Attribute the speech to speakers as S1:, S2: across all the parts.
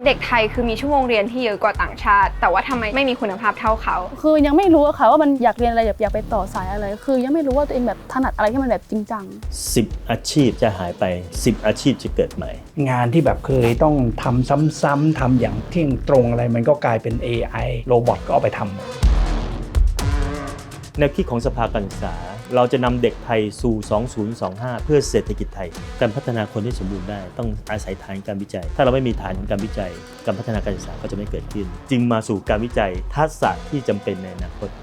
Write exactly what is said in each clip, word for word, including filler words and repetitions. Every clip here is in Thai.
S1: เด็กไทยคือมีชั่วโมงเรียนที่เยอะกว่าต่างชาติแต่ว่าทำไมไม่มีคุณภาพเท่าเขา
S2: คือยังไม่รู้ค่ะว่ามันอยากเรียนอะไรอยากไปต่อสายอะไรคือยังไม่รู้ว่าตัวเองแบบถนัดอะไรที่มันแบบจริงจัง
S3: สิบอาชีพจะหายไปสิบอาชีพจะเกิดใหม่
S4: งานที่แบบเคยต้องทำซ้ำๆทำอย่างเที่ยงตรงอะไรมันก็กลายเป็น เอ ไอ โรบอทก็เอาไปทำ
S3: แนวคิดของสภาการศึกษาเราจะนำเด็กไทยสู่สองพันยี่สิบห้าเพื่อเศรษฐกิจไทยการพัฒนาคนให้สมบูรณ์ได้ต้องอาศัยฐานการวิจัยถ้าเราไม่มีฐานของการวิจัยการพัฒนาการศึกษาก็จะไม่เกิดขึ้นจึงมาสู่การวิจัยทักษะที่จำเป็นในอนาคต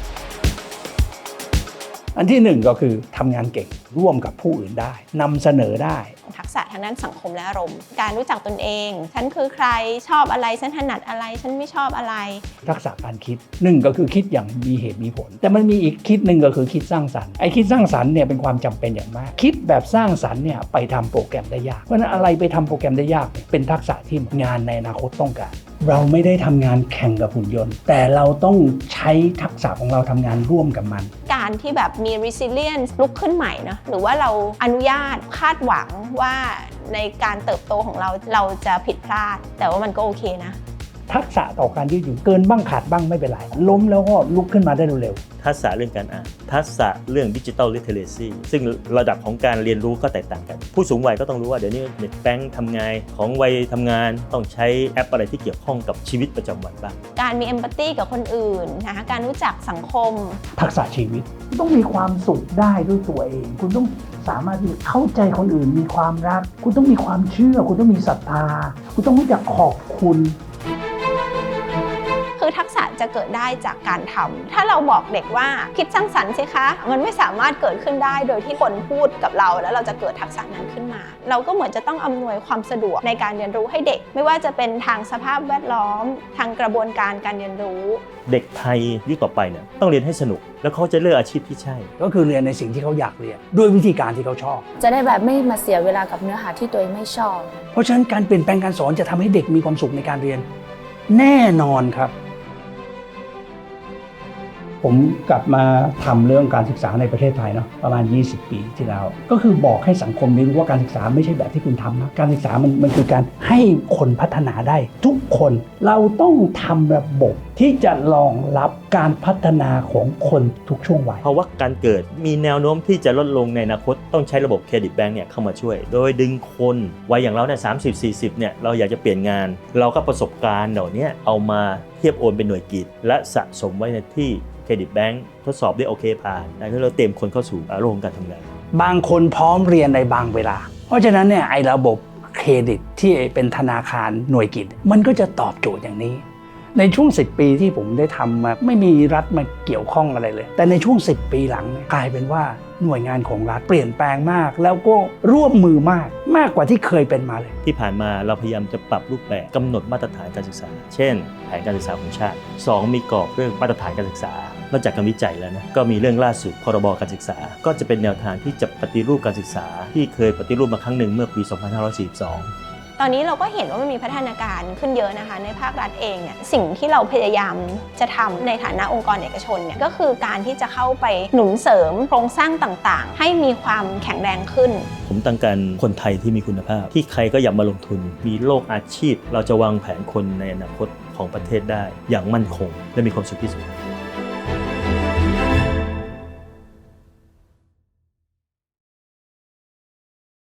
S4: อันที่หนึ่งก็คือทำงานเก่งร่วมกับผู้อื่นได้นำเสนอได้
S5: ทักษะทางด้านสังคมและอารมณ์การรู้จักตนเองฉันคือใครชอบอะไรฉันถนัดอะไรฉันไม่ชอบอะไร
S4: ทักษะการคิดหนึ่งก็คือคิดอย่างมีเหตุมีผลแต่มันมีอีกคิดหนึ่งก็คือคิดสร้างสรรค์ไอ้คิดสร้างสรรค์เนี่ยเป็นความจำเป็นอย่างมากคิดแบบสร้างสรรค์เนี่ยไปทำโปรแกรมได้ยากเพราะฉะนั้นอะไรไปทำโปรแกรมได้ยากเป็นทักษะที่งานในอนาคตต้องการเราไม่ได้ทำงานแข่งกับหุ่นยนต์แต่เราต้องใช้ทักษะของเราทำงานร่วมกับมัน
S5: การที่แบบมี resilience ลุกขึ้นใหม่เนาะหรือว่าเราอนุญาตคาดหวังว่าในการเติบโตของเราเราจะผิดพลาดแต่ว่ามันก็โอเคนะ
S4: ทักษะต่อการยืดหยุ่นเกินบ้างขาดบ้างไม่เป็นไรล้มแล้วก็ลุกขึ้นมาได้เร็ว
S3: ๆทักษะเรื่องการอ่านทักษะเรื่องดิจิทัลลิเทเรซีซึ่งระดับของการเรียนรู้ก็แตกต่างกันผู้สูงวัยก็ต้องรู้ว่าเดี๋ยวนี้เน็ตแบงค์ทำงานของวัยทำงานต้องใช้แอปอะไรที่เกี่ยวข้องกับชีวิตประจำวันบ้าง
S5: การมีเอมพัตตีกับคนอื่นนะคะการรู้จักสังคม
S4: ทักษะชีวิตต้องมีความสุขได้ด้วยตัวเองคุณต้องสามารถที่เข้าใจคนอื่นมีความรักคุณต้องมีความเชื่อคุณต้องมีศรัทธาคุณต้องรู้จักขอบคุณ
S5: คือทักษะจะเกิดได้จากการทำถ้าเราบอกเด็กว่าคิดสร้างสรรค์สิคะมันไม่สามารถเกิดขึ้นได้โดยที่คนพูดกับเราแล้วเราจะเกิดทักษะนั้นขึ้นมาเราก็เหมือนจะต้องอำนวยความสะดวกในการเรียนรู้ให้เด็กไม่ว่าจะเป็นทางสภาพแวดล้อมทางกระบวนการการเรียนรู้
S3: เด็กไทยยุคต่อไปเนี่ยต้องเรียนให้สนุกแล้วเขาจะเลือกอาชีพที่ใช่
S4: ก็คือเรียนในสิ่งที่เขาอยากเรียนด้วยวิธีการที่เขาชอบ
S2: จะได้แบบไม่มาเสียเวลากับเนื้อหาที่ตัวเองไม่ชอบ
S4: เพราะฉะนั้นการเปลี่ยนแปลงการสอนจะทำให้เด็กมีความสุขในการเรียนแน่นอนครับผมกลับมาทำเรื่องการศึกษาในประเทศไทยเนาะประมาณยี่สิบปีที่แล้วก็คือบอกให้สังคมได้รู้ว่าการศึกษาไม่ใช่แบบที่คุณทำนะการศึกษามันมันคือการให้คนพัฒนาได้ทุกคนเราต้องทำระบบที่จะรองรับการพัฒนาของคนทุกช่วงวัย
S3: เพราะว่าการเกิดมีแนวโน้มที่จะลดลงในอนาคตต้องใช้ระบบเครดิตแบงก์เนี่ยเข้ามาช่วยโดยดึงคนวัยอย่างเราเนี่ยสามสิบสี่สิบเนี่ยเราอยากจะเปลี่ยนงานเราก็ประสบการณ์เหล่านี้เอามาเทียบโอนเป็นหน่วยกิจและสะสมไว้ในที่เครดิตแบงก์ทดสอบได้โอเคผ่านแล้วเราเตรียมคนเข้าสู่โลกการทำงาน
S4: บางคนพร้อมเรียนในบางเวลาเพราะฉะนั้นเนี่ยไอ้ระบบเครดิตที่เป็นธนาคารหน่วยกิจมันก็จะตอบโจทย์อย่างนี้ในช่วงสิบปีที่ผมได้ทำมาไม่มีรัฐมาเกี่ยวข้องอะไรเลยแต่ในช่วงสิบปีหลังกลายเป็นว่าหน่วยงานของรัฐเปลี่ยนแปลงมากแล้วก็ร่วมมือมากมากกว่าที่เคยเป็นมาเลย
S3: ที่ผ่านมาเราพยายามจะปรับรูปแบบกำหนดมาตรฐานการศึกษาเช่นแผนการศึกษาของชาติสองมีกรอบเรื่องมาตรฐานการศึกษานอกจากการวิจัยแล้วนะก็มีเรื่องล่าสุดพรบการศึกษาก็จะเป็นแนวทางที่จะปฏิรูปการศึกษาที่เคยปฏิรูปมาครั้งหนึ่งเมื่อปีสองพันห้าร้อยสี่สิบสอง
S5: ตอนนี้เราก็เห็นว่ามันมีพัฒนาการขึ้นเยอะนะคะในภาครัฐเองเนี่ยสิ่งที่เราพยายามจะทำในฐานะองค์กรเอกชนเนี่ยก็คือการที่จะเข้าไปหนุนเสริมโครงสร้างต่างๆให้มีความแข็งแรงขึ้น
S3: ผมต้องการคนไทยที่มีคุณภาพที่ใครก็อยากมาลงทุนมีโลกอาชีพเราจะวางแผนคนในอนาคตของประเทศได้อย่างมั่นคงและมีความสุขที่สุด